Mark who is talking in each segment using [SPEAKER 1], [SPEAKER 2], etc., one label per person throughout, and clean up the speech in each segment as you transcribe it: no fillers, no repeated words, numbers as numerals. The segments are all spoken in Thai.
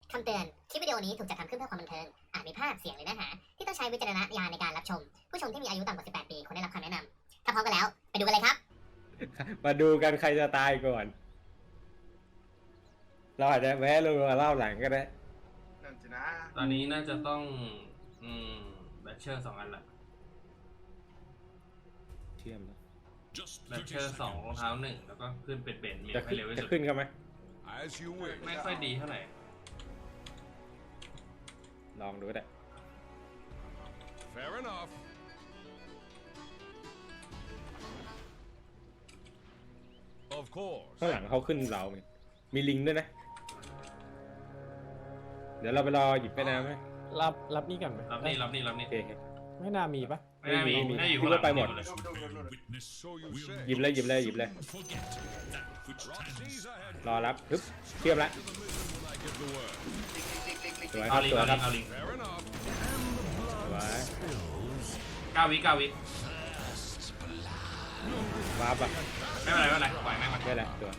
[SPEAKER 1] คำเตือน คลิปวิดีโอนี้ถูกจัดทำขึ้นเพื่อความบันเทิง อาจมีภาพ เสียง หรือเนื้อหาที่ต้องใช้วิจารณญาณในการรับชม ผู้ชมที่มีอายุต่ำกว่า 18 ปีควรได้รับคำแนะนำ ถ้าพร้อมกันแล้ว ไปดูกันเลยครับ
[SPEAKER 2] มาดูกันใครจะตายก่อน เราอาจจะแวะลงมาเล่าหลังก็ได้
[SPEAKER 3] นั่นสินะ
[SPEAKER 4] ตอนนี้น่าจะต้องแบทเชอร์2 อันละ
[SPEAKER 2] เชื่อมแล้ว
[SPEAKER 4] แบทเชอร์2รองเท้า1แล้วก็ขึ้นเป็นเบนซ์มี
[SPEAKER 2] จะ
[SPEAKER 4] ให้
[SPEAKER 2] ขึ้น
[SPEAKER 4] เร็วที่
[SPEAKER 2] จะ
[SPEAKER 4] สุด
[SPEAKER 2] ขึ้นกันไหม
[SPEAKER 5] As you wish.
[SPEAKER 4] ไม่ค่อยดีเท่าไหร่
[SPEAKER 2] ลองดูก็ได้
[SPEAKER 5] Fair enough. 'Of course.
[SPEAKER 2] ข้างหลังเขาขึ้นเราไงมีลิงด้วยนะ เดี๋ยวเราไปรอหยิบไปน้ำไหม
[SPEAKER 6] รับนี่กันไหม
[SPEAKER 4] รับนี่
[SPEAKER 2] โอเค
[SPEAKER 6] ไม่น่ามีปะ
[SPEAKER 4] ไม่ได้มี
[SPEAKER 2] มี
[SPEAKER 4] ได้อยู่
[SPEAKER 2] คิดว่าไปหมด
[SPEAKER 4] เลย
[SPEAKER 5] So you say.
[SPEAKER 2] หยิบเลยหยิบเลยหยิบเลย
[SPEAKER 5] Roxy's ahead.
[SPEAKER 2] รอรับฮึบเชื่อมละ
[SPEAKER 5] To the middle when I give the word.
[SPEAKER 2] สวยค
[SPEAKER 4] เอา
[SPEAKER 2] รับ
[SPEAKER 4] ลิง
[SPEAKER 2] สวย
[SPEAKER 4] เอา
[SPEAKER 2] ค
[SPEAKER 4] ลิ
[SPEAKER 2] รับ
[SPEAKER 4] งเอาลิง
[SPEAKER 5] Fair enough.
[SPEAKER 2] สวย
[SPEAKER 4] 9 วิ
[SPEAKER 2] วาร์ปอ่ะ
[SPEAKER 4] ไม่เป็นไรไม่เป็นไรปล่อยแม่งมัน
[SPEAKER 2] ได้แหละตัว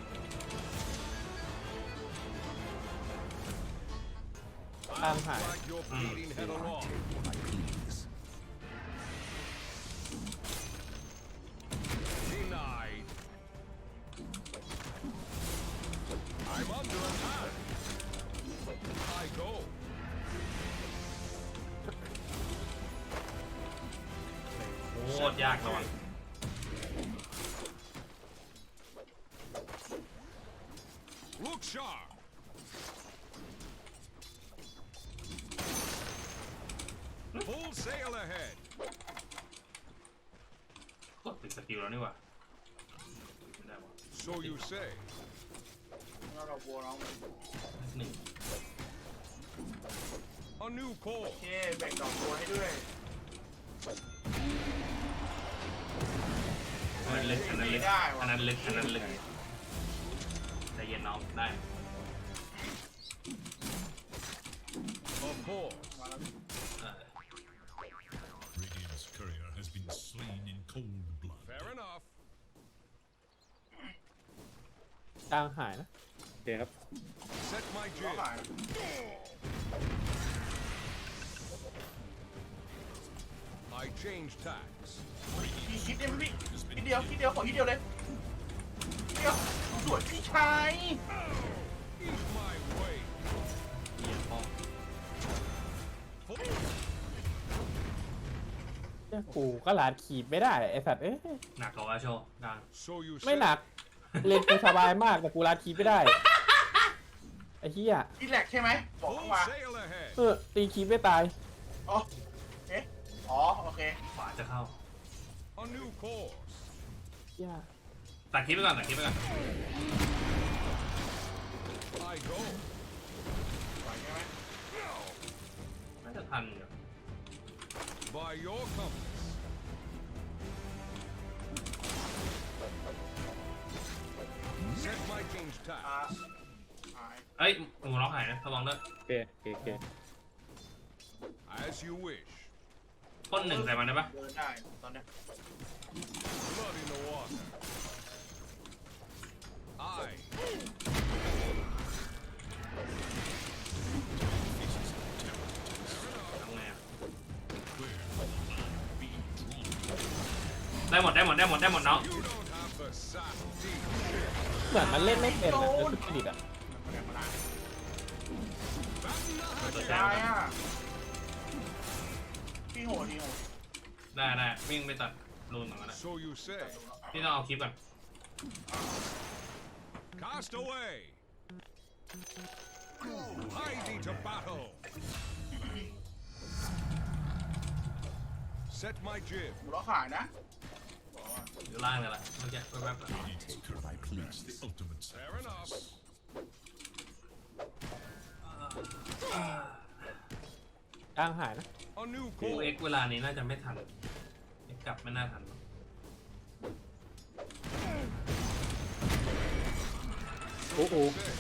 [SPEAKER 6] ตามหาย
[SPEAKER 5] Drag your bleeding head along. Denied. I'm under attack. I go.
[SPEAKER 4] โคตรยากระวัง
[SPEAKER 5] Look sharp. Full sail ahead.
[SPEAKER 4] กดติดสกิลแล้วนี่หว่าไม่ได้วะ
[SPEAKER 5] So you say.
[SPEAKER 3] เราบัวน้อง
[SPEAKER 4] หนึ่ง
[SPEAKER 5] A new call.
[SPEAKER 3] โอเคแบ่งดอกบัวให้ด้วย
[SPEAKER 4] อันนั้นลึกอันนั้นลึก
[SPEAKER 3] ได้วะ
[SPEAKER 4] อันนั้นลึกอันนั้นลึกใจเย็นน้องได้
[SPEAKER 5] Of course.
[SPEAKER 3] มาแล้ว
[SPEAKER 7] Radiant's courier has been slain in cold blood.
[SPEAKER 5] Fair enough.
[SPEAKER 6] กลางหายนะ
[SPEAKER 2] โอเคครับ
[SPEAKER 5] Set my
[SPEAKER 3] ล้อ
[SPEAKER 5] jib.
[SPEAKER 3] หาย
[SPEAKER 5] I change tacks.
[SPEAKER 3] พี่คิดได้ไหมพี่คิดเดียวขอคิดเดียวเลยคิดเดียวสวยพี่ชาย
[SPEAKER 5] Eat my way.
[SPEAKER 4] เหี้ยพ่อ
[SPEAKER 6] เนี่ยกูก็ลาดขีบไม่ได้ไอสัตว์เอ้ย
[SPEAKER 4] หนักกว่าโชว์กลาง
[SPEAKER 5] So you
[SPEAKER 6] ไม่
[SPEAKER 5] say.
[SPEAKER 6] หนักเล่นกูสบายมากแต่กูลาดขีบไม่ได้ไอ้เหี้ย
[SPEAKER 3] พี่แหลกใช่ไหมบอก
[SPEAKER 5] Full
[SPEAKER 3] มา
[SPEAKER 5] sail ahead.
[SPEAKER 6] ตีขีบไม่ตาย
[SPEAKER 3] อ๋อเอ๊ะอ๋อโอเค
[SPEAKER 4] ขวาจะเข้า
[SPEAKER 5] A new course.
[SPEAKER 6] เหี้ย
[SPEAKER 4] ตัดคลิปไปก่อนตัดคลิปไปก่อน
[SPEAKER 5] I go.
[SPEAKER 3] ไหวใช่ไหม
[SPEAKER 4] น่าจะทันอยู่
[SPEAKER 5] By your compass. Set my change
[SPEAKER 3] อ่า
[SPEAKER 5] tacks.
[SPEAKER 3] หาย
[SPEAKER 4] เอ้ยหมูล็อกหายนะระวังด้วย
[SPEAKER 2] โอเคโอเค
[SPEAKER 5] As you wish.
[SPEAKER 4] พ่นหนึ่งใส่มันได้ปะ
[SPEAKER 3] เดินได้ตอนเนี้ย
[SPEAKER 5] Blood in the water. I.
[SPEAKER 4] ทำไงอะได้หมดน้อง
[SPEAKER 5] You don't have the sack deep.
[SPEAKER 6] เหมือนมันเล่นไม่เป็นอะเออสุดจริตอะ
[SPEAKER 3] มาแดงมาล้าง
[SPEAKER 4] ตัวแท
[SPEAKER 3] ได้
[SPEAKER 4] น
[SPEAKER 3] อ่ะพี่โหด
[SPEAKER 4] ได้วิ่งไปตัดรูนเหมือนกันนะ
[SPEAKER 5] So you say.
[SPEAKER 4] พี่ต้องเอาคลิปก่อน
[SPEAKER 5] Cast away. Hie thee to battle. Set my jib.
[SPEAKER 3] หัวเราะขายนะ
[SPEAKER 4] อยู่ล่างเลยล่ะเมื่อกี้แวบๆอะ
[SPEAKER 7] Radiant's courier please the ultimate
[SPEAKER 5] Fair enough.
[SPEAKER 6] กลางหายนะ
[SPEAKER 5] A new
[SPEAKER 4] กู
[SPEAKER 5] call.
[SPEAKER 4] เอ็กเวลานี้น่าจะไม่ทันเอ็กกลับไม่น่าทันหรอก
[SPEAKER 2] โอ้โห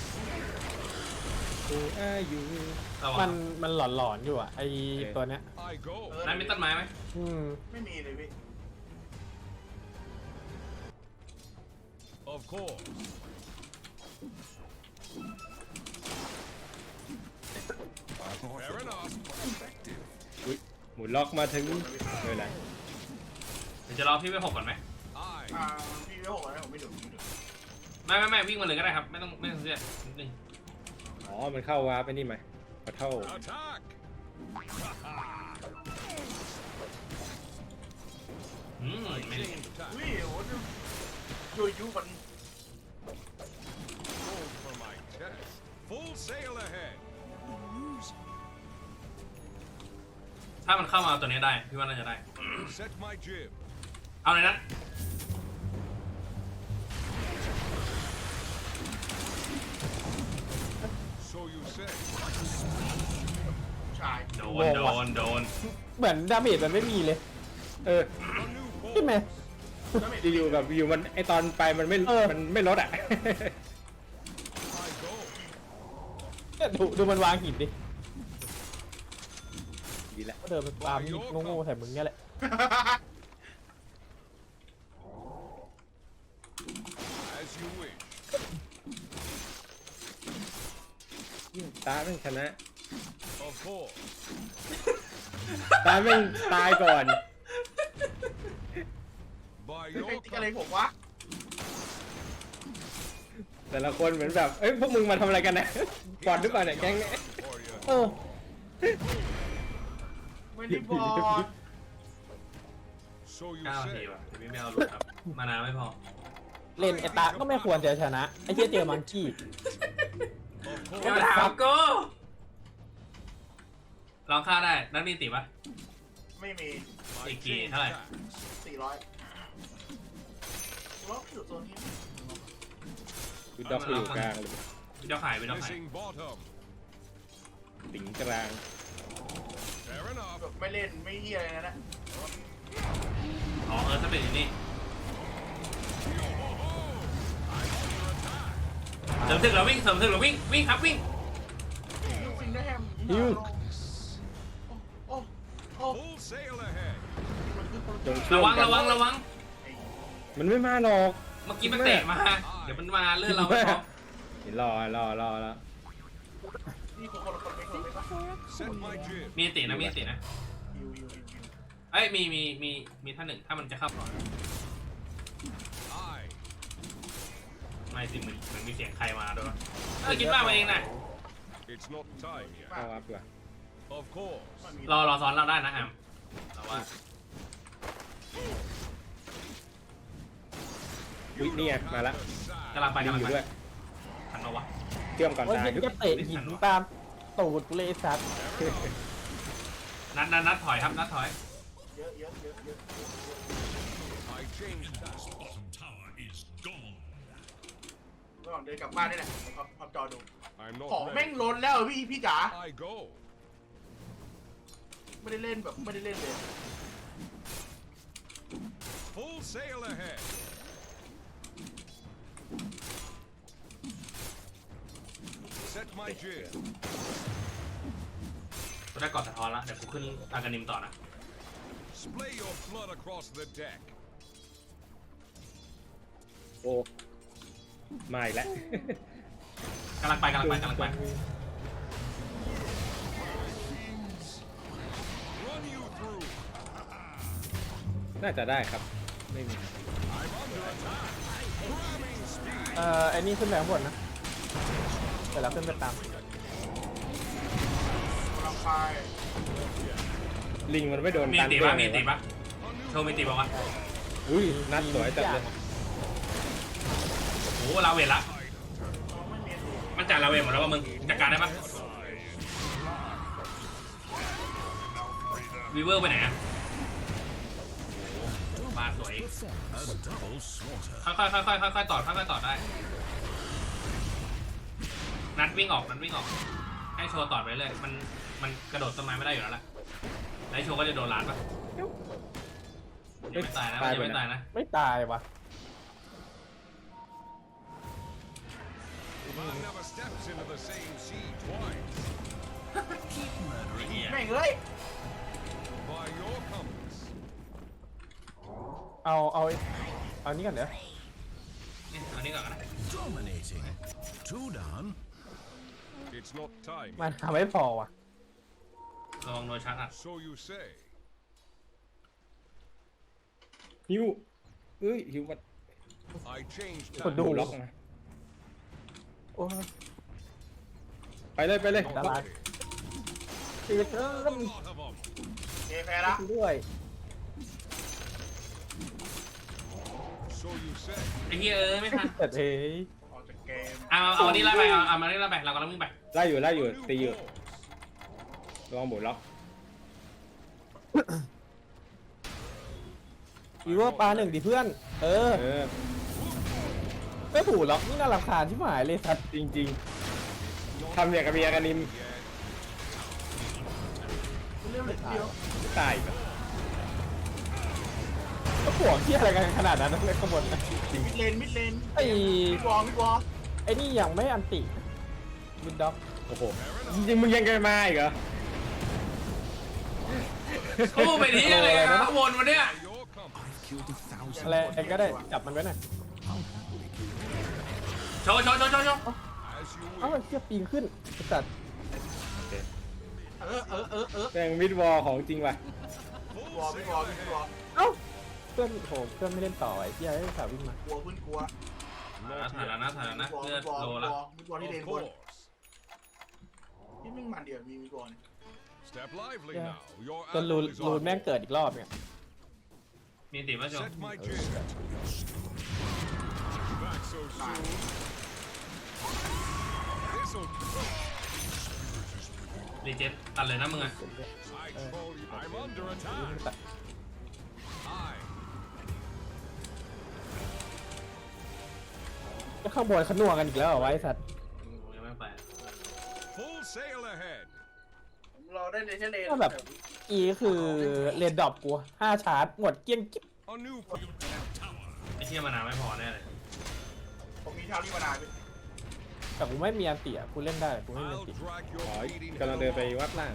[SPEAKER 2] โอ้อายุ
[SPEAKER 4] ระวั
[SPEAKER 6] มั
[SPEAKER 4] ง
[SPEAKER 6] นหลอนๆอยู่อะไอตัวเนี้ย
[SPEAKER 5] I go.
[SPEAKER 4] นั่นมีต้นไม้ไหม
[SPEAKER 3] ไม่มีเลยพี่
[SPEAKER 5] Of course. Fair enough.
[SPEAKER 2] อุ้ยหมุนล็อกมาถึงไม่เป็นไร
[SPEAKER 4] เดี๋ยวจะรอพี่ไปหกก่อนไหม
[SPEAKER 5] I
[SPEAKER 3] พี่ไม่หกแล้วผมไม่ดู
[SPEAKER 4] ไม่วิ่งมาเลยก็ได้ครับไม่ต้องเสียนิดนึง
[SPEAKER 2] อ๋อมันเข้าวาร์ปไปนี่ไหมขอเท่า
[SPEAKER 5] attack.
[SPEAKER 4] ไม่
[SPEAKER 5] Change tack.
[SPEAKER 3] อุ้ยโหยูยูมัน
[SPEAKER 5] Roll for my test. Full sail ahead.
[SPEAKER 4] ถ้ามันเข้ามาตัวนี้ได้พี่ว่าน่าจะได้
[SPEAKER 5] Set my jib.
[SPEAKER 4] เอาเลยนะ
[SPEAKER 5] So you say.
[SPEAKER 3] ชาย
[SPEAKER 4] โดน
[SPEAKER 6] เหมือนดาเมจมันไม่มีเลย
[SPEAKER 2] เออ
[SPEAKER 5] A new
[SPEAKER 6] ใช่ไหม
[SPEAKER 5] bolt.
[SPEAKER 2] อยู่กับอยู่มันไอตอนไปมันไม่
[SPEAKER 6] เออ
[SPEAKER 2] มันไม่ลดอ่ะ
[SPEAKER 5] I go.
[SPEAKER 6] เนี่ยดูมันวางหินดิ
[SPEAKER 2] ดีแล้ว
[SPEAKER 6] ก็เดินไปปามีดโง่ๆใส่มึงเนี่ยแหละ
[SPEAKER 5] As you wish.
[SPEAKER 2] ตาแม่งชนะ
[SPEAKER 5] Of course.
[SPEAKER 2] ตาแม่งตายก่อน
[SPEAKER 5] By
[SPEAKER 3] ใคร
[SPEAKER 5] your
[SPEAKER 3] ติ๊กอะไร
[SPEAKER 5] command.
[SPEAKER 3] ผมวะ
[SPEAKER 2] แต่ละคนเหมือนแบบเอ้ยพวกมึงมาทำอะไรกันนะบอลหรือเปล่าเนี่ยแก๊งเนี่ย
[SPEAKER 5] For you.
[SPEAKER 6] เออ
[SPEAKER 3] ไม่ได้บอก
[SPEAKER 5] So you
[SPEAKER 4] 9 นาที
[SPEAKER 5] say.
[SPEAKER 4] ว่ะเดี๋ยวพี่ไม่เอาหลุดครับมานานไม่พอ
[SPEAKER 6] เล่นไอตาก็ไม่ควรจะชนะไอ้เหี้ยเจอมังกี้
[SPEAKER 5] Of
[SPEAKER 4] อย่า
[SPEAKER 5] course.
[SPEAKER 4] มาถามกูลองฆ่าได้นักมีติปะ
[SPEAKER 3] ไม่มี
[SPEAKER 5] My
[SPEAKER 4] Iki,
[SPEAKER 5] change
[SPEAKER 4] hi.
[SPEAKER 5] tacks.
[SPEAKER 3] 400ล็อกอยู่โซนนี้
[SPEAKER 2] วิดด็อกอยู่กลางเลย
[SPEAKER 4] วิดอกหาย
[SPEAKER 5] Missing bottom.
[SPEAKER 2] สิงกลาง
[SPEAKER 5] Fair enough.
[SPEAKER 3] แบบไม่เล่นไม่เฮียอะไรนะ
[SPEAKER 4] อ๋อสำเร็จอยู่นี่เสริมถึกแล้ววิ่งวิ่งครับวิ่ง
[SPEAKER 3] ยูซิงได้แฮม
[SPEAKER 2] ฮิว
[SPEAKER 3] โอ้โอ้
[SPEAKER 5] Full sail ahead.
[SPEAKER 3] มันคือคน
[SPEAKER 2] จงช่วย
[SPEAKER 4] ระวัง
[SPEAKER 2] กัน มันไม่มาหรอก
[SPEAKER 4] เมื่อกี้มันเตะมาเดี๋ยวมันมาเลื่อนเราไม่พอ
[SPEAKER 2] เห็นรอแล้ว
[SPEAKER 3] นี่คนละคนไม่คนไม่ปะ
[SPEAKER 5] Set my jib.
[SPEAKER 4] มีตินะ
[SPEAKER 3] ยู
[SPEAKER 4] เอ้ยมีท่านหนึ่งถ้ามันจะเข้าก่อน
[SPEAKER 5] I.
[SPEAKER 4] ไม่สิเหมือนมีเสียงใครมาด้วยคิดว่ามาเองนะ
[SPEAKER 5] It's not time yet.
[SPEAKER 2] เข้าวาร์ปดีกว่า
[SPEAKER 5] Of course.
[SPEAKER 4] รอซ้อนเราได้นะแอมแต่ว่า
[SPEAKER 2] อุ๊ยนี่ไงมาละ
[SPEAKER 4] กำลังไป
[SPEAKER 2] ดีอยู่ด้วย
[SPEAKER 4] ทันเราวะ
[SPEAKER 2] เชื่อมก่อน
[SPEAKER 6] โอ้ย
[SPEAKER 2] ตาย
[SPEAKER 6] ยิงจะเตะหินตามตูดกูเลยไอ้สัตว์
[SPEAKER 4] นัดถอยครับนัดถอย
[SPEAKER 3] เยอะ
[SPEAKER 5] I changed tack.
[SPEAKER 7] Bottom tower is gone.
[SPEAKER 3] ระหว่างเดินกลับบ้านนี่แหละพับจอดู
[SPEAKER 5] I'm
[SPEAKER 3] ของ
[SPEAKER 5] not
[SPEAKER 3] แม่ง
[SPEAKER 5] ready.
[SPEAKER 3] ล้นแล้วพี่จ๋า
[SPEAKER 5] I go.
[SPEAKER 3] ไม่ได้เล่นแบบไม่ได้เล่นเลย
[SPEAKER 5] Full sail ahead. Set my jib.
[SPEAKER 4] ตัวได้กอดสะท้อนละเดี๋ยวกูขึ้นอากานิมต่อนะ
[SPEAKER 5] Splay your blood across the deck.
[SPEAKER 2] โอ้มาอีกแล้ว
[SPEAKER 4] กำลังไป
[SPEAKER 5] Run you through.
[SPEAKER 2] น่าจะได้ครับไม่มี
[SPEAKER 5] I'm under attack. Grabbing speed.
[SPEAKER 6] ไอ้นี่ขึ้นไปข้างบนนะเดี๋ยวเราขึ้นไปตาม
[SPEAKER 3] กำลังไป
[SPEAKER 2] ลิงมันไม่โดน
[SPEAKER 4] มี
[SPEAKER 2] กัน
[SPEAKER 4] ติ
[SPEAKER 2] ด้ว
[SPEAKER 4] ปะ
[SPEAKER 2] ย
[SPEAKER 4] มีติปะโชว์มีติปะวะ
[SPEAKER 2] อุ้ยนัดสวยจัดเลย
[SPEAKER 4] โอ้ลาเวทละ
[SPEAKER 3] ไม่เมียน
[SPEAKER 4] มันจ่ายลาเวทหมดแล้วว่ามึงจัดการได้ปะวีเวอร์ไปไหนอะโอ้มาสวย
[SPEAKER 7] A double slaughter.
[SPEAKER 4] ค่อยๆต่อได้ นัดวิ่งออกให้โชว์ต่อไปเลยมันกระโดดต้นไม้ไม่ได้อยู่แล้วล่ะแล้วโชว์ก็จะโดนล้านปะยังไม่ตายนะมันยังไม่ตายนะ
[SPEAKER 6] ไม่ตายวะ
[SPEAKER 5] Man never steps into the same sea twice.
[SPEAKER 4] เหี้ย
[SPEAKER 3] แม่งเอ้ย
[SPEAKER 5] By your compass.
[SPEAKER 6] เอานี่ก่อนเดี๋ยว
[SPEAKER 4] นี่เอานี่ก่อนนะ
[SPEAKER 7] Dominating. Two down.
[SPEAKER 5] It's not time.
[SPEAKER 6] มันทำไม่พอว่ะ
[SPEAKER 4] ระวังโดนชาร์จอัด
[SPEAKER 5] So you say.
[SPEAKER 2] ฮิวเอ้ยฮิวมัน
[SPEAKER 5] I changed
[SPEAKER 6] กดดู
[SPEAKER 2] ล็อกมา
[SPEAKER 6] โอ้ย
[SPEAKER 2] ไปเลยไปเลย
[SPEAKER 6] ดาราตีเติม
[SPEAKER 5] lot of them.
[SPEAKER 3] เจแพ้ละ
[SPEAKER 6] ด้วย
[SPEAKER 5] So you say.
[SPEAKER 4] ไอ้เหี้ยไม่ทัน
[SPEAKER 6] แต่เฮ้ย
[SPEAKER 3] ออกจากเกม
[SPEAKER 4] เอาอันนี้ไล่ไปเอามานี่ไล่ไปเรากำลังวิ่งไป
[SPEAKER 2] ไล่อยู่
[SPEAKER 5] New
[SPEAKER 2] ตีอยู่
[SPEAKER 5] balls.
[SPEAKER 2] ระวังบดล็อก
[SPEAKER 6] อีว่าปลาหนึ่งดิเพื่อน เออ
[SPEAKER 2] เออ
[SPEAKER 6] ไม่ถูกหรอกนี่น่ารำคาญที่หมายเลยสัตว์
[SPEAKER 2] จริงๆทำอย่างกับเมียกันนิม
[SPEAKER 3] เรื่องเล็กเดียว
[SPEAKER 2] ตายอีกอะ
[SPEAKER 6] ก็ห่วงที่อะไรกันขนาดนั้นนะเลยขบวนนะ
[SPEAKER 3] มิดเลน
[SPEAKER 6] ไอ้
[SPEAKER 3] มิดวอล
[SPEAKER 6] ไอ้นี่ยังไม่อันติวินด็อก
[SPEAKER 2] โอ้โหจริงๆมึงยังจะมาอีกเหรอ
[SPEAKER 4] สู้ไปที่อะไรนะข้างบนวันเนี้ย
[SPEAKER 5] Your company.
[SPEAKER 6] อะไรก็ได้จับมันไว้หน่อย
[SPEAKER 4] โชว์
[SPEAKER 5] As you
[SPEAKER 6] เอ้า
[SPEAKER 5] wish.
[SPEAKER 6] เชี่ยปีนขึ้นไอ้สัตว์
[SPEAKER 3] เ
[SPEAKER 2] แม่งมิดวอลของจริงว่ะ
[SPEAKER 3] วอล
[SPEAKER 6] เอ้าเพื่อนโหเพื่อนไม่เล่นต่อไอ้เชี่ยไอ้สาววิ่งมา
[SPEAKER 3] กลัวเพื่อนกลัว
[SPEAKER 4] ถ่ายแล้วนะเลือดโลละ
[SPEAKER 3] มิดวอลที่
[SPEAKER 5] Of
[SPEAKER 3] เลนบน
[SPEAKER 5] course.
[SPEAKER 3] ที่มึงมันเดียวมีมิดวอล
[SPEAKER 5] Step lively
[SPEAKER 6] Yeah.
[SPEAKER 5] now. Your
[SPEAKER 6] จนรู
[SPEAKER 5] ally is
[SPEAKER 6] น
[SPEAKER 5] on.
[SPEAKER 6] แม่งเกิดอีกรอบเนี่ย
[SPEAKER 4] มีติมาโชว์
[SPEAKER 5] Set my jib. Back so soon. This'll.
[SPEAKER 4] รีเจนตัดเลยนะมึงอะ
[SPEAKER 5] I told you. I'm under attack. I.
[SPEAKER 6] ก็ข้างบนขนัวกันอีกแล้วเหรอวะไอ้สัตว์
[SPEAKER 4] ยังไม่ไป
[SPEAKER 5] Full sail ahead.
[SPEAKER 3] เราได้เลนเลน
[SPEAKER 6] ก็แบบอีคือเรียนดรอปกู5 ชาร์จหมดเกลี้ยงกิ๊บ
[SPEAKER 5] A new.
[SPEAKER 4] ไอ้เหี้ยมานานไม่พอแน่เลย
[SPEAKER 3] ผมมีเท้าที่มานาน
[SPEAKER 6] แต่กูไม่มีอันติอ่ะกูเล่นได้กูไม่มีอัน
[SPEAKER 5] I'll
[SPEAKER 6] ติ
[SPEAKER 5] drag
[SPEAKER 2] อ๋อ
[SPEAKER 5] your feet in
[SPEAKER 2] กำลังเดินไป
[SPEAKER 5] hell.
[SPEAKER 2] วัดล่าง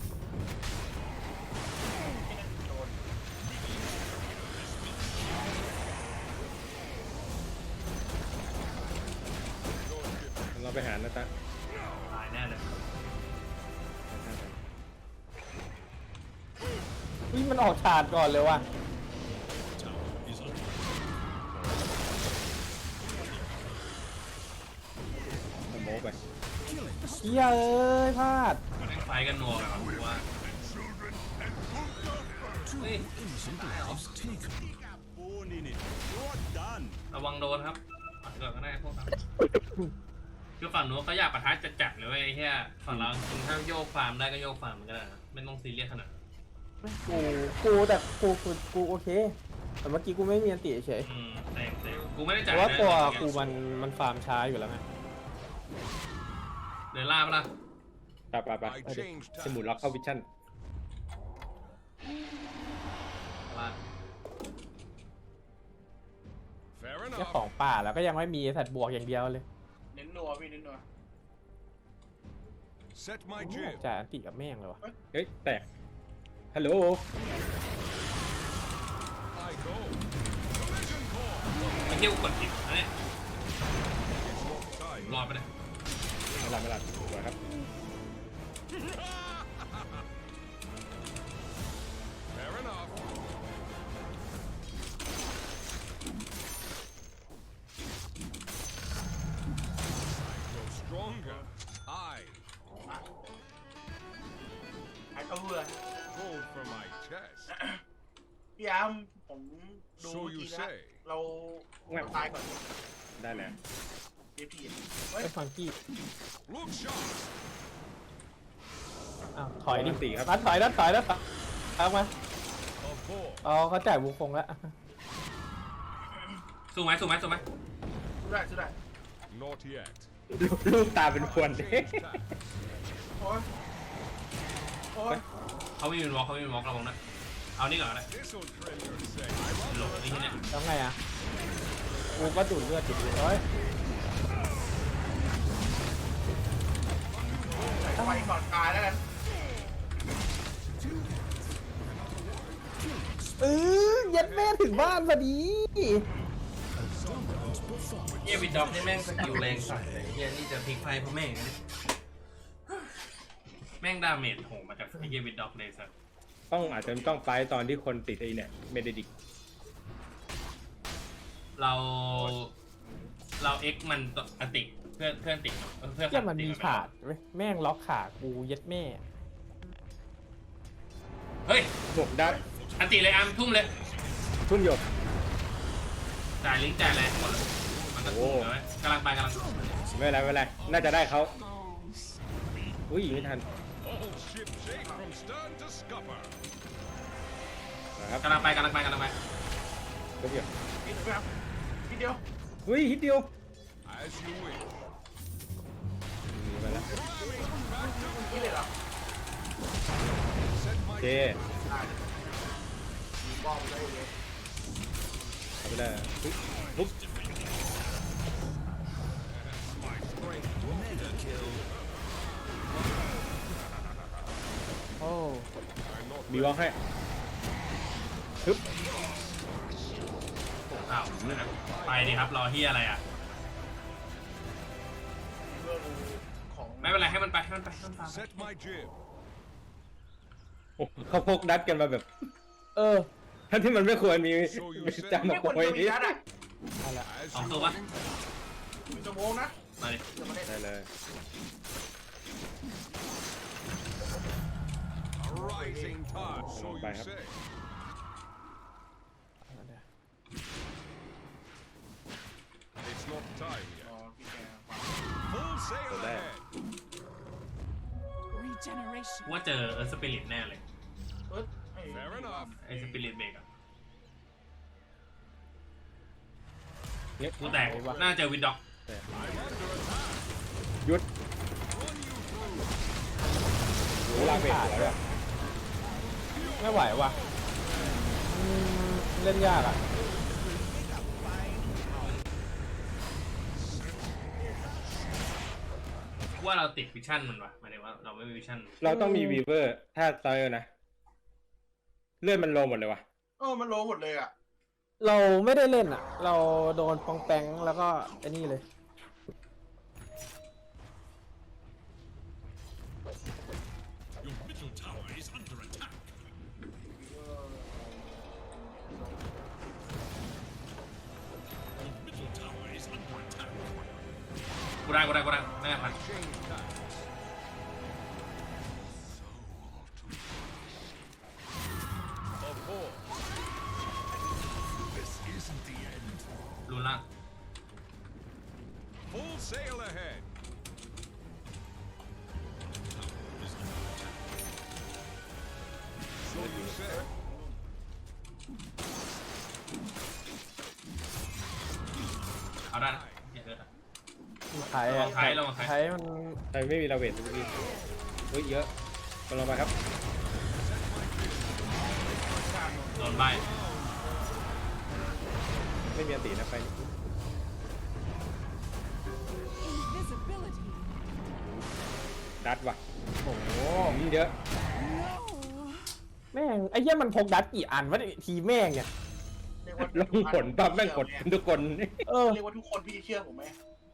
[SPEAKER 2] เราไปหานะจ๊ะ
[SPEAKER 4] ตายแน่เลย
[SPEAKER 6] อุ้ยมันออกฉาดก่อนเลยว่ะ
[SPEAKER 2] สโมกไป
[SPEAKER 6] เฮียเอ้ยพลาด
[SPEAKER 4] มันไฟกันนัวแบบกูว่าเฮ้ยระวังโดนครับฝั่งเกิดก็ได้พวกนั้นคือฝั่งนู้นเขาอยากปะทะจัดๆเลยเว้ยไอ้เหี้ยฝั่งเราคุณถ้าโยกฟาร์มได้ก็โยกฟาร์มมันก็ได้นะไม่ต้องซีเรียสขนาดนั้น
[SPEAKER 6] กูแต่กูโอเค แต่เมื่อกี้กูไม่มีอันติเฉย
[SPEAKER 4] แต่กูไม่ได้
[SPEAKER 6] เพ
[SPEAKER 4] จ่าย
[SPEAKER 6] ราะว่าตัว
[SPEAKER 4] เลย
[SPEAKER 6] กูมันฟาร์มช้าอยู่แล้วไง
[SPEAKER 4] เดินล่าปะล่ะ
[SPEAKER 2] ไป
[SPEAKER 5] I changed
[SPEAKER 2] สมุดล็อกเข้าวิชั่น
[SPEAKER 4] ล่า
[SPEAKER 5] Fair
[SPEAKER 6] เจ้า
[SPEAKER 5] enough.
[SPEAKER 6] ของป่าแล้วก็ยังไม่มีสัตว์บวกอย่างเดียวเลย
[SPEAKER 3] เน้นนัวพี่เน้นนัว
[SPEAKER 5] Set my
[SPEAKER 6] ไม่
[SPEAKER 5] jib.
[SPEAKER 6] อยากจ่ายอันติกับแม่งเลยวะ
[SPEAKER 2] เฮ้ย แตก ฮัลโหล
[SPEAKER 5] I go. Collision course.
[SPEAKER 4] ไอ้เหี้ยกูกดผิดนะเนี่ย
[SPEAKER 5] Time.
[SPEAKER 4] รอดไปเลย
[SPEAKER 2] ไม่หลับสวยครับ
[SPEAKER 5] Fair enough. I grow stronger. I
[SPEAKER 3] ไอ้เขาเบื่อ
[SPEAKER 5] hold for my chest.
[SPEAKER 3] พี่อาร์มผมดู
[SPEAKER 5] So
[SPEAKER 3] ที
[SPEAKER 5] you
[SPEAKER 3] นะ
[SPEAKER 5] say.
[SPEAKER 3] เราตายก่อน
[SPEAKER 2] ได้แล้ว
[SPEAKER 3] เดี๋ยวพี่
[SPEAKER 6] ไอ้ฟังกี้
[SPEAKER 5] Look sharp.
[SPEAKER 6] อ้าวถอยดิ
[SPEAKER 2] อันติครับ
[SPEAKER 6] นัดถอยเอามา
[SPEAKER 5] Of course.
[SPEAKER 6] อ๋อเขาจ่ายบุคคงแล้ว
[SPEAKER 4] สู้ไหม
[SPEAKER 3] สู้ได้
[SPEAKER 5] Not yet.
[SPEAKER 2] ลูกตาเป็นค
[SPEAKER 5] I
[SPEAKER 2] วน
[SPEAKER 5] changed tack.
[SPEAKER 3] โอ้ย
[SPEAKER 4] เขาไม่มีวอล์กระวังนะเอานี่ก่อนก็ได้
[SPEAKER 5] This'll trim your say.
[SPEAKER 4] หลบไอ้ที่เนี่ย
[SPEAKER 6] แล้วไงอ่ะกูก็ดูดเลือดจุดเฮ้ย
[SPEAKER 3] ไปก่อนตายแล้วกัน
[SPEAKER 6] ยัดแม่ถึงบ้านพอดี
[SPEAKER 4] เฮียวิดด็อกนี่แม่งสกิลแรงสัตว์เลยเฮียนี่จะพลิกไฟเพราะแม่งนี่แม่ม่งดาเมจโหมาจากไอ้เหี้ยวิดด็อกเลยสัส
[SPEAKER 2] อาจจะต้องไฟตอนที่คนติดไอ้เนี่ยเมเดดิก
[SPEAKER 4] เราเอ็กมันอติเพื่อนติเพื่อน
[SPEAKER 6] เหี้ยมันมีขาดเว้ยแม่งล็อกขากูเย็ดแม่
[SPEAKER 4] เฮ้ย
[SPEAKER 2] หมกได้
[SPEAKER 4] อันติเลยอาร์มทุ่มเลย
[SPEAKER 2] ทุ่มหยก
[SPEAKER 4] จ่ายลิงก์จ่ายอะไรหมดเลยมันก็ทุ่มเลยกำลังไป
[SPEAKER 2] ไม่เป็นไรน่าจะได้เขาอุ้ยไม่ทัน
[SPEAKER 5] All ship shape from stern to scupper.
[SPEAKER 2] นะครับ
[SPEAKER 4] กำลังไป
[SPEAKER 2] ทุบหยก
[SPEAKER 3] ทีเดียว
[SPEAKER 2] อุ้ยฮิตเดียว
[SPEAKER 5] As you wish.
[SPEAKER 2] หนีไปแล้ว
[SPEAKER 3] นี่เลยเหรอ
[SPEAKER 5] Set
[SPEAKER 2] โอ
[SPEAKER 5] my
[SPEAKER 2] เค
[SPEAKER 3] ได้มีบอลได้เลย
[SPEAKER 2] เอาไปเลยปุ๊บ
[SPEAKER 5] my strength. Mega kill.
[SPEAKER 6] โอ้
[SPEAKER 5] I'm not
[SPEAKER 2] บีวอลให้ปึ๊บ
[SPEAKER 4] อ้าวไปดิครับรอเฮียอะไรอ่ะ
[SPEAKER 3] เรื่องของ
[SPEAKER 4] ไม่เป็นไรให้มันไปให้มันฟาร์ม
[SPEAKER 5] set my jib.
[SPEAKER 2] โอ้เขาพกดัดกันมาแบบ
[SPEAKER 6] เออ
[SPEAKER 2] ทั้งที่มันไม่ควรมีจำมา
[SPEAKER 3] ไม่
[SPEAKER 2] โก
[SPEAKER 3] ควร
[SPEAKER 2] ย
[SPEAKER 3] จะมีนัดอ่ะ
[SPEAKER 6] เอาละ
[SPEAKER 5] As
[SPEAKER 4] สอง
[SPEAKER 5] you
[SPEAKER 4] ตัวปะ
[SPEAKER 3] มีชั่วโมงนะ
[SPEAKER 4] มาดิ
[SPEAKER 3] จะมาเล่น
[SPEAKER 2] ได้เลย
[SPEAKER 5] a rising tide. So you
[SPEAKER 2] Bye.
[SPEAKER 5] say.
[SPEAKER 6] เอาละ
[SPEAKER 5] It's not time
[SPEAKER 3] อ๋อ
[SPEAKER 5] yet.
[SPEAKER 3] พี่แก
[SPEAKER 5] Full sail
[SPEAKER 2] So there.
[SPEAKER 5] ahead.
[SPEAKER 8] Regeneration.
[SPEAKER 4] ว่าเจอสปิริตแน่เลย
[SPEAKER 5] Fair enough.
[SPEAKER 4] ไอ้สปิริตเบรกอะ
[SPEAKER 2] เนี่ย
[SPEAKER 4] กูแตกน่าเจอวิดด็อก
[SPEAKER 5] I'm under attack.
[SPEAKER 2] หยุด
[SPEAKER 5] Run you through.
[SPEAKER 2] เวลาเบรกหัวด้วย
[SPEAKER 6] ไม่ไหวว่ะเล่นยากอ่ะ
[SPEAKER 4] ว่าเราติดวิชั่นมันวะหมายถึงว่าเราไม่มีวิชั่น
[SPEAKER 2] เราต้องมีวีเวอร์ถ้าเตอร์นะเลือดมันโลหมดเลยวะ
[SPEAKER 3] มันโลหมดเลยอ่ะ
[SPEAKER 6] เราไม่ได้เล่นอ่ะ เราโดนปองแปงแล้วก็ไอ้นี่เลย
[SPEAKER 7] Your middle tower is under attack. Your middle tower is under attack.
[SPEAKER 4] กูได้ไม่ได้พัน
[SPEAKER 5] Change tack. Of course.
[SPEAKER 7] This isn't the end.
[SPEAKER 4] รุนล่าง
[SPEAKER 5] Full sail ahead. So you say.
[SPEAKER 4] เอาได้นะอย่าเกิดอะ
[SPEAKER 6] ไทย
[SPEAKER 4] ลองไทยลองไทย
[SPEAKER 6] ไทยมัน
[SPEAKER 2] ใครไม่มีเราเวททุกทีเฮ้ยเยอะกำลังไปครับ
[SPEAKER 4] โดนใบ
[SPEAKER 2] ไม่มีอันตีนะไป
[SPEAKER 8] Invisibility.
[SPEAKER 2] ดัดว่ะ
[SPEAKER 6] โอ้โห
[SPEAKER 2] เยอะ
[SPEAKER 8] No.
[SPEAKER 6] แม่งไอ้เหี้ยมันพกดัดกี่อันวะเนี่ยทีแม่งเนี่ย
[SPEAKER 3] เรียกว่า
[SPEAKER 2] ลงผลปั๊บแม่งกดทุกคน
[SPEAKER 6] เออ
[SPEAKER 3] เรียกว่าทุกคนพี่เชื่อผมไหม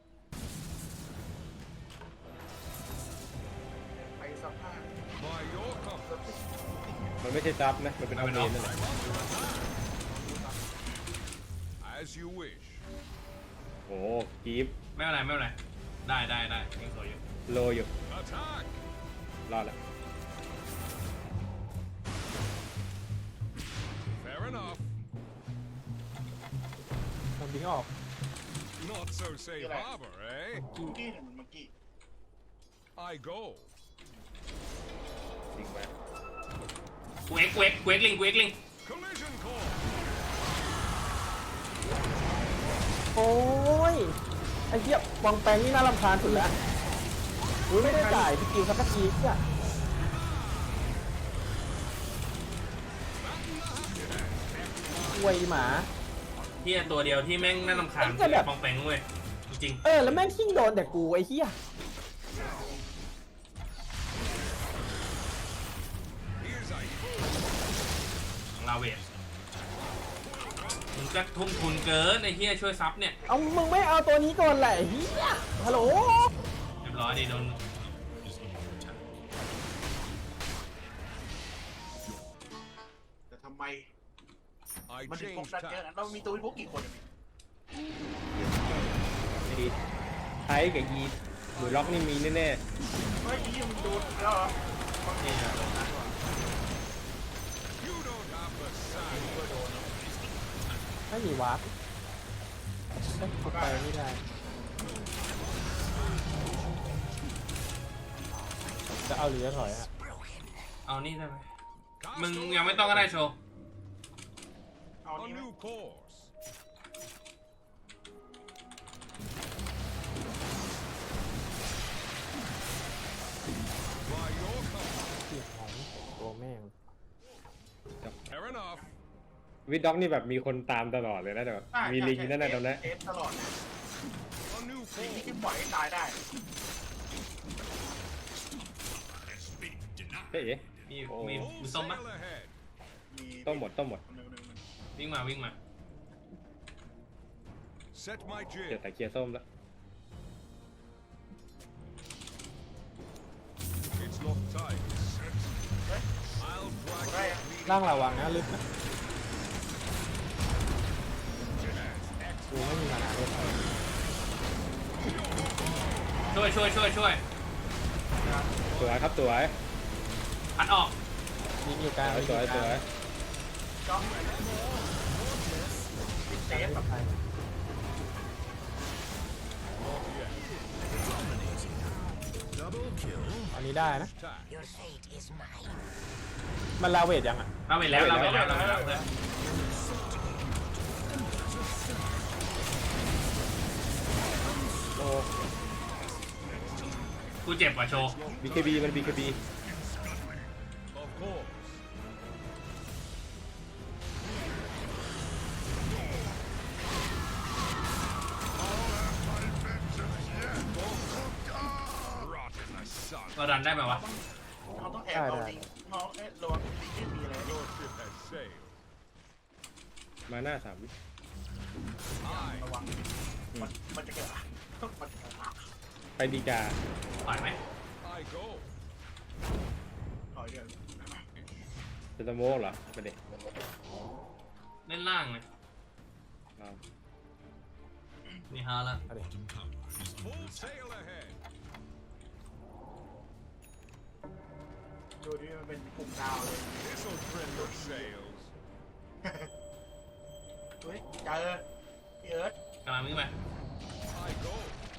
[SPEAKER 3] ไปสัมภาษณ์
[SPEAKER 5] By your compass.
[SPEAKER 2] มันไม่ใช่ซับนะมันเป็นเอาเมนนั่นแหละ
[SPEAKER 5] As you wish.
[SPEAKER 2] โอ้กีฟ
[SPEAKER 4] ไม่เป็นไรได้ยังสวยอยู่
[SPEAKER 2] โลอยู่
[SPEAKER 5] Attack.
[SPEAKER 2] รอดแล้ว
[SPEAKER 5] Fair enough.
[SPEAKER 6] มันบิงออก
[SPEAKER 5] Not so safe harbor, eh?
[SPEAKER 3] เมื่อกี้เห็นเมื่อกี้
[SPEAKER 5] I go.
[SPEAKER 2] จริงไหม
[SPEAKER 4] กูเอ็กลิง
[SPEAKER 5] Collision course.
[SPEAKER 6] โอ้ยไอ้เหี้ยปองแปงนี่น่ารำคาญสุดแล้วอุ้ยไม่ได้จ่ายสกิลสักทีเนี่ยอวยหมา
[SPEAKER 4] เฮียตัวเดียวที่แม่งน่ารำคาญ
[SPEAKER 6] ไอ้เหี้ยแบบ
[SPEAKER 4] ปองแปงเว้ยจริง
[SPEAKER 6] เออแล้วแม่งทิ้งโดนแต่กูไอ้เหี้ย
[SPEAKER 5] Here's I.
[SPEAKER 4] ๆของเราเวทมึงก็ทุ่มทุนเกินไอ้เฮียช่วยซับเนี่ย
[SPEAKER 6] เอามึงไม่เอาตัวนี้ก่อนแหละไอ้เหี้ยฮัลโหล
[SPEAKER 4] เรียบร้อยดิโดน
[SPEAKER 5] I
[SPEAKER 3] มันถึงพก
[SPEAKER 5] changed
[SPEAKER 3] ดันเยอะนะ
[SPEAKER 5] tack.
[SPEAKER 3] เรามีตัวพกกี่คนอะ
[SPEAKER 2] ไอ้ไทยกับยีหรือล็อกนี่มีแน่
[SPEAKER 3] เฮ้ยยี่มันโดนแล้วเหรอ
[SPEAKER 4] นี่นะ
[SPEAKER 5] You don't have the sack.
[SPEAKER 6] ไม่มีวาร์ปไปไม่ได้จะเอาหรือจะถอยฮะ
[SPEAKER 4] เอานี่ได้ไหมมึงยังไม่ต้องก็ได้โชว์
[SPEAKER 3] เอา
[SPEAKER 5] A
[SPEAKER 3] นี่ไหม
[SPEAKER 5] new course. By your command.
[SPEAKER 6] เสียของตัวแม่ง
[SPEAKER 5] Fair enough.
[SPEAKER 2] ๆวิดด็อกนี่แบบมีคนตามตลอดเลยนะแต่แบบมีลิงนั่นน่ะตรงนั้น
[SPEAKER 3] เอฟตลอด
[SPEAKER 5] A new
[SPEAKER 3] ลิงที่
[SPEAKER 5] course.
[SPEAKER 3] ปล่อยให้ตายได้
[SPEAKER 7] has been denied.
[SPEAKER 2] เฮ้ย
[SPEAKER 4] มี
[SPEAKER 2] โอ้
[SPEAKER 4] มี
[SPEAKER 5] Full
[SPEAKER 4] ส้มปะ
[SPEAKER 5] sail ahead.
[SPEAKER 3] มี
[SPEAKER 2] ต้มหมด
[SPEAKER 4] วิ่งมาวิ่งมา
[SPEAKER 5] Set my
[SPEAKER 2] เกีย
[SPEAKER 5] jib.
[SPEAKER 2] ร์แต่เกียร์ส้มแล้ว
[SPEAKER 5] It's not time. I'll drag
[SPEAKER 3] ได้
[SPEAKER 5] your
[SPEAKER 3] อะ
[SPEAKER 5] bleeding
[SPEAKER 6] ร่างระวังนะลึกนะกูไม่มีมานาด้วย
[SPEAKER 4] ช่วย
[SPEAKER 2] สวยครับสวย
[SPEAKER 4] พัดออก
[SPEAKER 6] ยิงอยู่กลาง
[SPEAKER 2] สวย
[SPEAKER 3] จ้องติดเซฟแบบ
[SPEAKER 6] อันนี้ได้นะ
[SPEAKER 5] tack.
[SPEAKER 6] มันลาเวทยังอ่ะ
[SPEAKER 4] เราไปแล้วเพื่อน
[SPEAKER 2] โอ้
[SPEAKER 4] กูเจ็บว่ะโชว์
[SPEAKER 2] BKB มัน BKB
[SPEAKER 5] Of course. Rot in the sun.
[SPEAKER 4] เราดันได้ไหมวะ
[SPEAKER 3] เราต้องแอบเอาลิงเราระวังลิงที่มีอะไร
[SPEAKER 5] Your ship has sailed.
[SPEAKER 2] มาหน้า3 วิ
[SPEAKER 5] I
[SPEAKER 3] ระวังมันจะเกิดอะไรมันจะเกิดอะไร
[SPEAKER 2] ไปดีกา
[SPEAKER 4] ปล่อยไหม
[SPEAKER 5] go.
[SPEAKER 3] ถอยเดี๋ยว
[SPEAKER 2] จะสโมกเหรอไปเด็ก
[SPEAKER 4] เล่นล่างเลยนี่ฮาละ
[SPEAKER 7] Bottom tower is
[SPEAKER 5] Full sail ahead.
[SPEAKER 3] ดูดิมันเป็นกลุ่มดาวเลย
[SPEAKER 5] This'll trim your sails.
[SPEAKER 3] เฮ้ยเจอพี่เอิร์ธ
[SPEAKER 4] กำลังวิ่งไป
[SPEAKER 5] I go.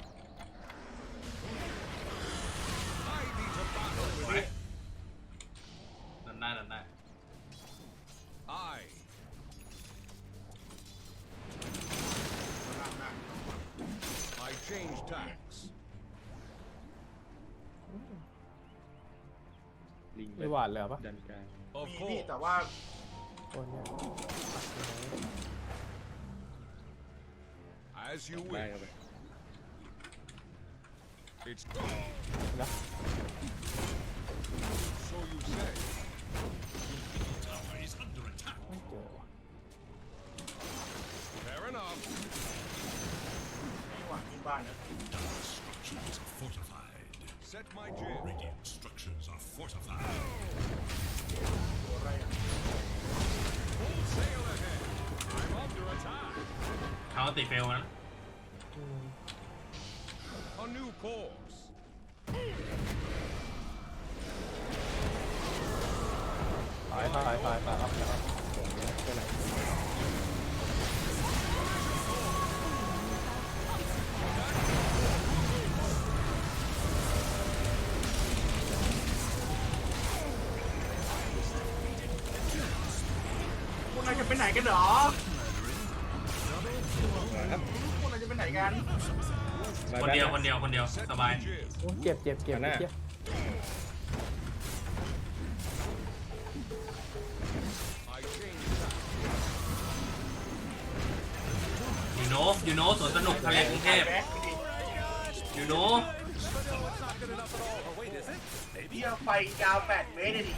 [SPEAKER 5] I need to battle
[SPEAKER 4] ส
[SPEAKER 5] with
[SPEAKER 4] วย
[SPEAKER 5] it.
[SPEAKER 4] ดันได้
[SPEAKER 5] I.
[SPEAKER 3] หน้าหน้า
[SPEAKER 5] I change tacks.
[SPEAKER 2] ลิง
[SPEAKER 6] ไม่หวาดเลยเหรอปะ
[SPEAKER 2] ดันกลาง
[SPEAKER 5] Of
[SPEAKER 3] มีพี่
[SPEAKER 5] course.
[SPEAKER 3] แต่ว่า
[SPEAKER 6] ตัวเนี้ย
[SPEAKER 5] As you
[SPEAKER 2] ได้
[SPEAKER 5] wish.
[SPEAKER 2] เข้าไป
[SPEAKER 5] It's
[SPEAKER 6] นะ
[SPEAKER 5] so you say.
[SPEAKER 7] tower is under attack.
[SPEAKER 6] ไม่เจอว่ะ
[SPEAKER 5] Fair enough.
[SPEAKER 3] ไม่หวังที่บ้านนะ
[SPEAKER 7] Dire structures are fortified.
[SPEAKER 5] Set my jib.
[SPEAKER 7] Radiant structures are fortified.
[SPEAKER 3] ตัวอะไรอ่ะ
[SPEAKER 5] Full sail ahead. I'm under attack.
[SPEAKER 4] เขาติดเฟลนะ
[SPEAKER 5] A new course.
[SPEAKER 6] ถอยครับ
[SPEAKER 3] พวกนายจะไปไหนกันเหรอ
[SPEAKER 2] ครับ
[SPEAKER 3] พวกนายจะไปไหนกัน
[SPEAKER 4] คนเดียว
[SPEAKER 5] Set
[SPEAKER 4] สบาย
[SPEAKER 5] my jib.
[SPEAKER 6] โอ้เจ็บเจ็บ
[SPEAKER 2] มาหน้า
[SPEAKER 6] เจ็บ
[SPEAKER 5] I change tack.
[SPEAKER 4] ยูโนสวนสนุกทะเลกรุงเทพ
[SPEAKER 3] แบ็คไปดิ
[SPEAKER 4] ยูโน
[SPEAKER 3] พี่เอาไฟยาว8 เมตรเลยดิ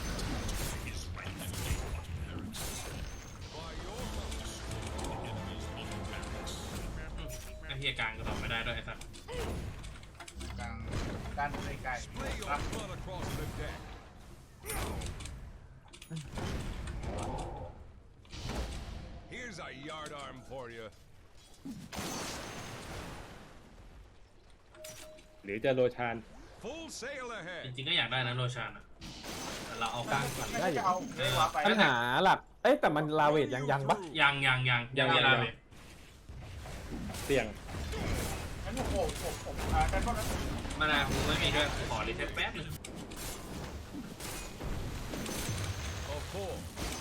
[SPEAKER 4] ไอ้เฮียกลางก็ตอบไม่ได้ด้วยไอ้สัส
[SPEAKER 3] การในไกล
[SPEAKER 5] Splay your
[SPEAKER 3] รับ
[SPEAKER 5] blood across the deck. for you.
[SPEAKER 2] หรือจะโรชาน
[SPEAKER 5] Full sail
[SPEAKER 4] จ
[SPEAKER 5] ahead.
[SPEAKER 4] ริงๆก็อยากได้นะโรชานอะแต่เราเอากลางก่อน
[SPEAKER 3] น่าจะเอาเอ้ยวาไป
[SPEAKER 6] ปัญหาหลัก เอ้ยแต่มันลาเวทยังปะ
[SPEAKER 4] ยังเวลาเลย
[SPEAKER 2] เสี่ยง
[SPEAKER 3] งั้นผมกันก็นะ
[SPEAKER 4] มานากูไม่มีด้วยขอรีเซ็ตแป๊บนึง
[SPEAKER 5] Of course.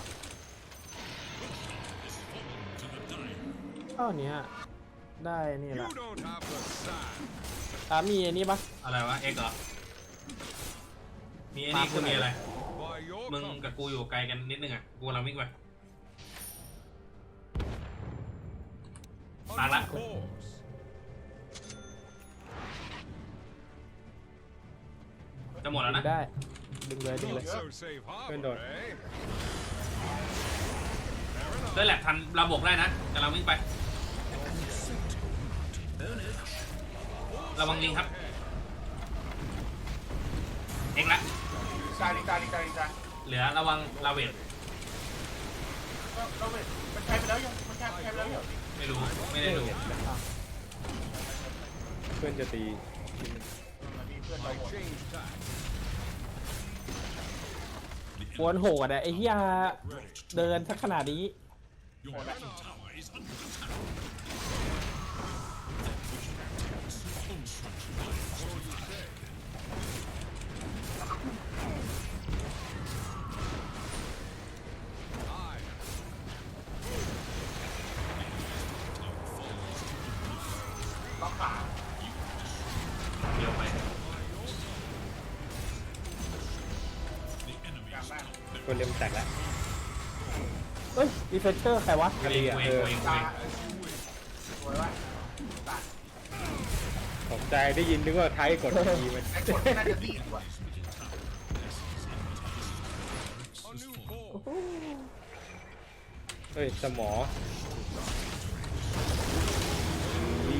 [SPEAKER 6] เท่านี้ได้นี่
[SPEAKER 5] You
[SPEAKER 6] ละ
[SPEAKER 5] don't have the sand.
[SPEAKER 6] มีไอ้นี่ปะ
[SPEAKER 4] อะไรวะเอ็กเหรอมีไอ้นี่คือมีอะไร
[SPEAKER 5] By your
[SPEAKER 4] มึง
[SPEAKER 5] compass.
[SPEAKER 4] กับกูอยู่ไกลกันนิดนึงอ่ะกูกำลังวิ่งไป
[SPEAKER 5] Of
[SPEAKER 4] Mala.
[SPEAKER 5] course.
[SPEAKER 4] จะหมดแล้ว
[SPEAKER 6] ดึ
[SPEAKER 4] นะ
[SPEAKER 6] งได้ ดึงเลย
[SPEAKER 5] Not so safe harbor,
[SPEAKER 2] Good.
[SPEAKER 5] eh?
[SPEAKER 4] ด้วยแหละทันระบบได้นะกำลังวิ่งไป ระวังลิงครับ เอ็กละ
[SPEAKER 3] กาลิกา
[SPEAKER 4] เหลือระวังลาเวท
[SPEAKER 3] เราเว้ยมันใช้ไปแล้วยังมันใช้ไปแล้วยัง
[SPEAKER 4] ไม่รู้ไม่ได้ดู
[SPEAKER 2] เพื่อนจะตี
[SPEAKER 3] มันมีเพื่อนเรา
[SPEAKER 5] I
[SPEAKER 3] หมด
[SPEAKER 5] changed tack.
[SPEAKER 6] ปวนโหดอะไอ้เหี้ยเดินสักขนาดนี้
[SPEAKER 7] Your middle tower is under attack.
[SPEAKER 5] Aye.
[SPEAKER 3] ล็อกขา
[SPEAKER 4] เดี๋ยวไป
[SPEAKER 3] กลางบ้าน
[SPEAKER 2] คนเริ่มแตกแล้ว
[SPEAKER 6] เฮ้ยดีเฟนเชอร์ใครวะ
[SPEAKER 4] กูเองกูเองกูเองกู
[SPEAKER 3] ตา
[SPEAKER 4] เอง
[SPEAKER 3] สวยว่ะตา
[SPEAKER 2] ตกใจได้ยินนึกว่าไทยกดทีมัน
[SPEAKER 3] ไอ้กดน่าจะดีกว่า
[SPEAKER 5] A new course.
[SPEAKER 2] เฮ้ยสมอนี่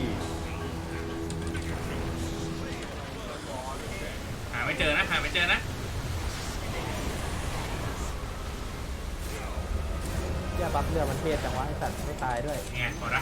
[SPEAKER 4] หาไม่เจอนะหาไม่เจอนะ
[SPEAKER 6] เหี้ยบัฟเรือมันเทศจังวะไอ้สัตว์ไม่ตายด้วย
[SPEAKER 4] ไงหมดละ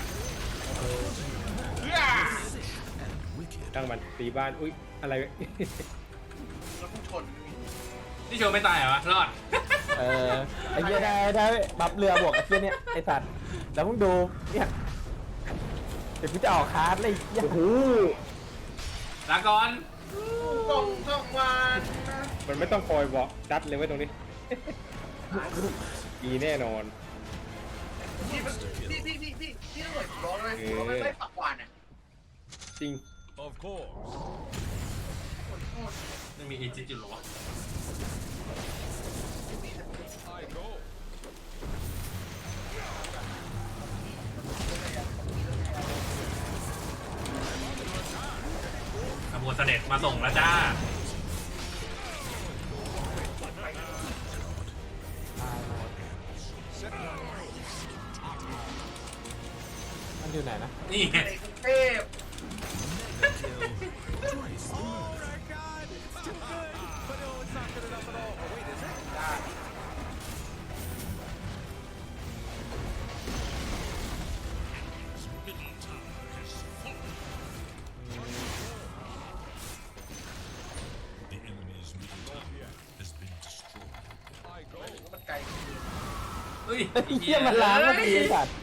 [SPEAKER 2] ตั้งมันตีบ้าน อุ้ย อะไร
[SPEAKER 3] แล้วพุ่งชน
[SPEAKER 4] นี่โชว์ไม่ตายเหรอวะรอด
[SPEAKER 6] ไอ้เหี้ยได้บัฟเรือบวกไอ้เหี้ยเนี่ยไอ้สัตว์แล้วมึงดูเนี่ยเดี๋ยวพี่จะออกคาร์ดเลยไอ้เหี้ย
[SPEAKER 2] โอ้โห
[SPEAKER 4] ลาก่อน
[SPEAKER 3] ต้องวัน
[SPEAKER 2] มันไม่ต้องคอยบอกจัดเลยไว้ตรงนี้ อีแน่นอน
[SPEAKER 3] พี่ต้องหน่วยร้อนเลยเราไม่ปักหวานอ่ะ
[SPEAKER 2] จริง
[SPEAKER 5] Of course.
[SPEAKER 4] ไม่มีเอจิอยู่หรอวะ
[SPEAKER 5] I go.
[SPEAKER 4] ขบวนเสด็จมาส่งแล้วจ้า
[SPEAKER 6] มันอยู่ไหนนะ
[SPEAKER 4] นี่ไง
[SPEAKER 3] ในกรุงเทพ
[SPEAKER 7] Middle tower has fallen. The enemy's middle tower has been destroyed.
[SPEAKER 5] I go.
[SPEAKER 3] มันไกล
[SPEAKER 4] เฮ้ย
[SPEAKER 6] ไอ้เหี้ยมันล้างเมื่อกี้ไอ้สัตว์